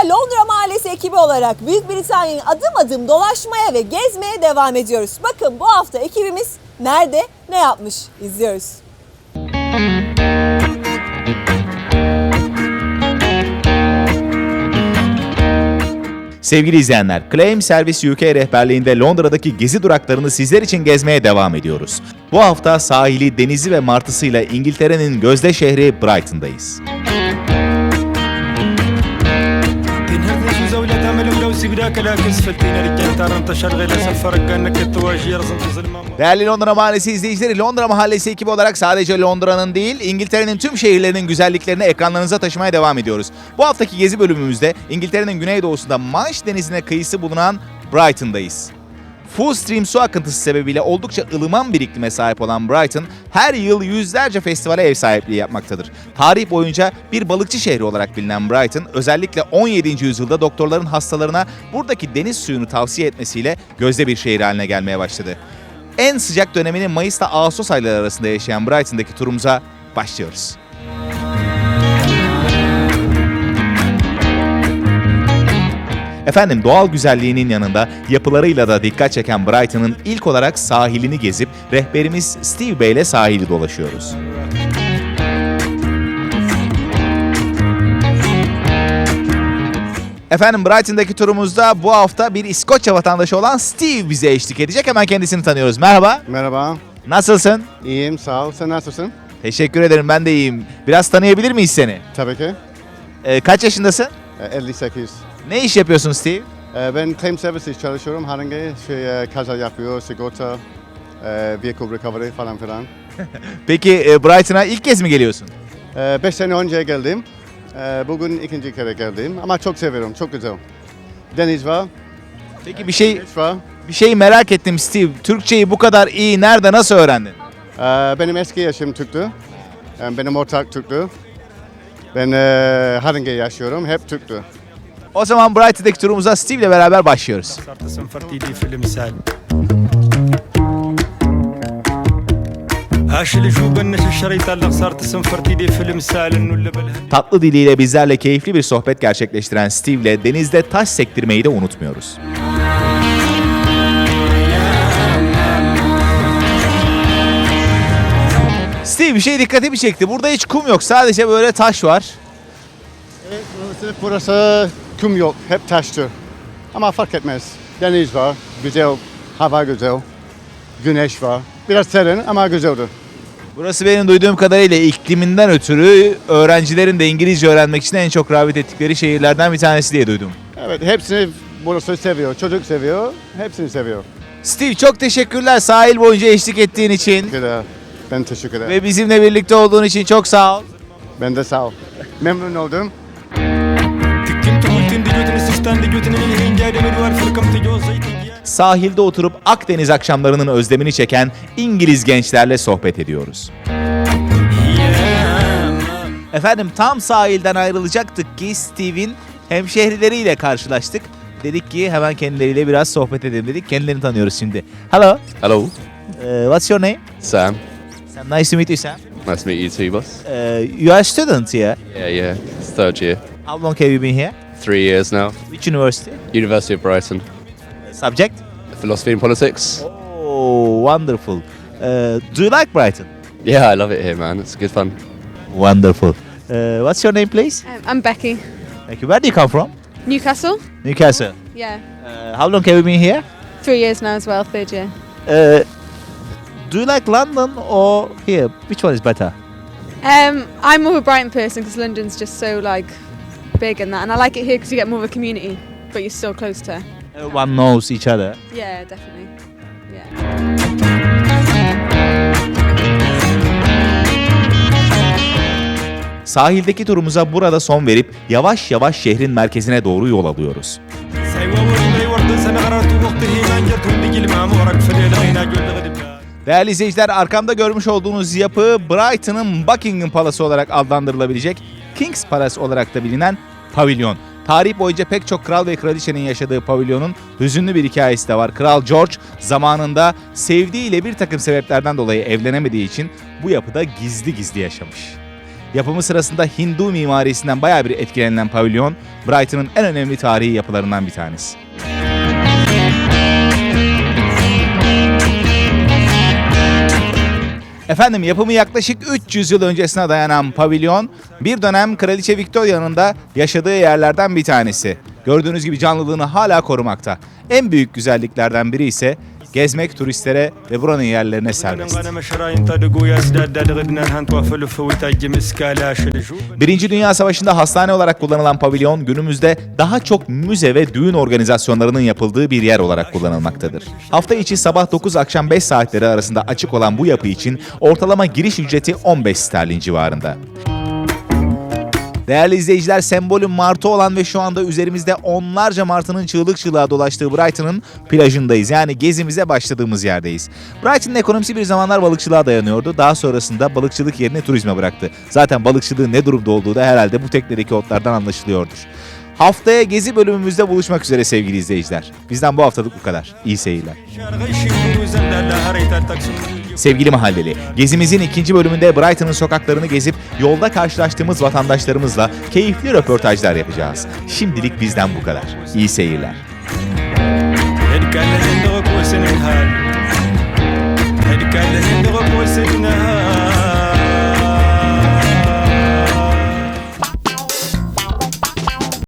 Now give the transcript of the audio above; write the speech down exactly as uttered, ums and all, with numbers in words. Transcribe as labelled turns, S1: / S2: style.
S1: Londra Mahallesi ekibi olarak Büyük Britanya'yı adım adım dolaşmaya ve gezmeye devam ediyoruz. Bakın bu hafta ekibimiz nerede, ne yapmış izliyoruz.
S2: Sevgili izleyenler, Claim Service U K rehberliğinde Londra'daki gezi duraklarını sizler için gezmeye devam ediyoruz. Bu hafta sahili, denizi ve martısıyla İngiltere'nin gözde şehri Brighton'dayız. Değerli Londra Mahallesi izleyicileri, Londra Mahallesi ekibi olarak sadece Londra'nın değil, İngiltere'nin tüm şehirlerinin güzelliklerini ekranlarınıza taşımaya devam ediyoruz. Bu haftaki gezi bölümümüzde İngiltere'nin güneydoğusunda Manş Denizi'ne kıyısı bulunan Brighton'dayız. Full stream su akıntısı sebebiyle oldukça ılıman bir iklime sahip olan Brighton, her yıl yüzlerce festivale ev sahipliği yapmaktadır. Tarih boyunca bir balıkçı şehri olarak bilinen Brighton, özellikle on yedinci yüzyılda doktorların hastalarına buradaki deniz suyunu tavsiye etmesiyle gözde bir şehir haline gelmeye başladı. En sıcak dönemini Mayıs'ta Ağustos ayları arasında yaşayan Brighton'daki turumuza başlıyoruz. Efendim, doğal güzelliğinin yanında yapılarıyla da dikkat çeken Brighton'ın ilk olarak sahilini gezip rehberimiz Steve Bey ile sahili dolaşıyoruz. Efendim, Brighton'daki turumuzda bu hafta bir İskoçya vatandaşı olan Steve bize eşlik edecek. Hemen kendisini tanıyoruz. Merhaba.
S3: Merhaba,
S2: Nasılsın?
S3: iyiyim, sağ ol. Sen nasılsın?
S2: Teşekkür ederim, ben de iyiyim. Biraz tanıyabilir miyiz seni?
S3: Tabii ki.
S2: Ee, kaç yaşındasın?
S3: Ee, elli sekiz.
S2: Ne iş yapıyorsun Steve?
S3: Ee, ben Claim Services çalışıyorum. Herhangi şey, e, kaza yapıyor, sigorta, e, vehicle recovery falan filan.
S2: Peki e, Brighton'a ilk kez mi geliyorsun?
S3: Ee, beş sene önce geldim. Ee, bugün ikinci kere geldim ama çok seviyorum, çok güzel. Deniz var,
S2: Peki bir şey
S3: güneş var.
S2: bir şey merak ettim Steve. Türkçeyi bu kadar iyi nerede, nasıl öğrendin?
S3: Ee, benim eski yaşım Türk'tü. Ee, benim ortak Türk'tü. Ben e, Haringey yaşıyorum, hep Türk'tü.
S2: O zaman Brighton'daki turumuza Steve ile beraber başlıyoruz.
S4: صرت سنفرتي لي في المثال هاش اللي شو بنش الشريط اللي صارت سنفرتي لي في المثال انه اللي بالهن
S2: Tatlı diliyle bizlerle keyifli bir sohbet gerçekleştiren Steve ile denizde taş sektirmeyi de unutmuyoruz. Steve, bir şey dikkatimi çekti. Burada hiç kum yok. Sadece böyle taş var.
S3: Evet, burası, burası kum yok, hep taştır. Ama fark etmez. Deniz var, güzel, hava güzel, güneş var. Biraz serin ama güzeldir.
S2: Burası benim duyduğum kadarıyla ikliminden ötürü öğrencilerin de İngilizce öğrenmek için en çok rağbet ettikleri şehirlerden bir tanesi diye duydum.
S3: Evet, hepsini burası seviyor, çocuk seviyor, hepsini seviyor.
S2: Steve, çok teşekkürler sahil boyunca eşlik ettiğin için
S3: Güzel, ben teşekkür ederim.
S2: ve bizimle birlikte olduğun için çok sağ ol.
S3: Ben de sağ ol. Memnun oldum.
S4: تكنت قلت دي جوتني سستان دي جوتني من هين جاري مدوار فركم تجوز زيتي
S2: Sahilde oturup Akdeniz akşamlarının özlemini çeken İngiliz gençlerle sohbet ediyoruz. Efendim, tam sahilden ayrılacaktık ki Steve'in hemşehrileriyle karşılaştık. Dedik ki hemen kendileriyle biraz sohbet edelim dedik. Kendilerini tanıyoruz şimdi. Hello.
S5: Hello,
S2: Uh, what's your name?
S5: Sam.
S2: Sam, nice to meet you, Sam.
S5: Nice to meet you too, boss.
S2: Uh, you are a student here.
S5: Yeah, yeah. It's third year.
S2: How long have you been here?
S5: Three years now.
S2: Which university?
S5: University of Brighton.
S2: Subject?
S5: Philosophy and politics.
S2: Oh, wonderful. Uh, do you like Brighton?
S5: Yeah, I love it here, man. It's good fun.
S2: Wonderful. Uh, what's your name, please?
S6: Um, I'm Becky.
S2: Thank you. Where do you come from?
S6: Newcastle?
S2: Newcastle.
S6: Yeah.
S2: Uh, how long have you been here?
S6: Three years now as well, third year.
S2: Uh, do you like London or here? Which one is better?
S6: Um, I'm more of a Brighton person because London's just so like big and that, and I like it here because you get more of a community, but you're still close to.
S2: Everyone knows each other.
S6: Yeah, definitely. Yeah.
S2: Sahildeki turumuza burada son verip yavaş yavaş şehrin merkezine doğru yol alıyoruz.
S4: سايوا ورمي ورد سنة غررت وقته ما جرتهم بيجي المعمورك في الليل غينا جول غدب
S2: Değerli izleyiciler, arkamda görmüş olduğunuz yapı Brighton'ın Buckingham Palası olarak adlandırılabilecek King's Palace olarak da bilinen pavilyon. Tarih boyunca pek çok kral ve kraliçenin yaşadığı pavilyonun hüzünlü bir hikayesi de var. Kral George zamanında sevdiğiyle bir takım sebeplerden dolayı evlenemediği için bu yapıda gizli gizli yaşamış. Yapımı sırasında Hindu mimarisinden bayağı bir etkilenilen pavilyon, Brighton'ın en önemli tarihi yapılarından bir tanesi. Efendim yapımı yaklaşık üç yüz yıl öncesine dayanan pavilyon, bir dönem Kraliçe Victoria'nın da yaşadığı yerlerden bir tanesi. Gördüğünüz gibi canlılığını hala korumakta. En büyük güzelliklerden biri ise gezmek turistlere ve buranın yerlerine serbest. Birinci Dünya Savaşı'nda hastane olarak kullanılan pavilyon günümüzde daha çok müze ve düğün organizasyonlarının yapıldığı bir yer olarak kullanılmaktadır. Hafta içi sabah dokuz akşam beş saatleri arasında açık olan bu yapı için ortalama giriş ücreti on beş sterlin civarında. Değerli izleyiciler, sembolü martı olan ve şu anda üzerimizde onlarca martının çığlık çığlığa dolaştığı Brighton'ın plajındayız. Yani gezimize başladığımız yerdeyiz. Brighton'ın ekonomisi bir zamanlar balıkçılığa dayanıyordu. Daha sonrasında balıkçılık yerini turizme bıraktı. Zaten balıkçılığın ne durumda olduğu da herhalde bu teknedeki otlardan anlaşılıyordur. Haftaya gezi bölümümüzde buluşmak üzere sevgili izleyiciler. Bizden bu haftalık bu kadar. İyi seyirler. Sevgili mahalleli, gezimizin ikinci bölümünde Brighton'ın sokaklarını gezip yolda karşılaştığımız vatandaşlarımızla keyifli röportajlar yapacağız. Şimdilik bizden bu kadar. İyi seyirler.
S4: هذيك اللي ندغك وسنها هذيك اللي ندغك وسنها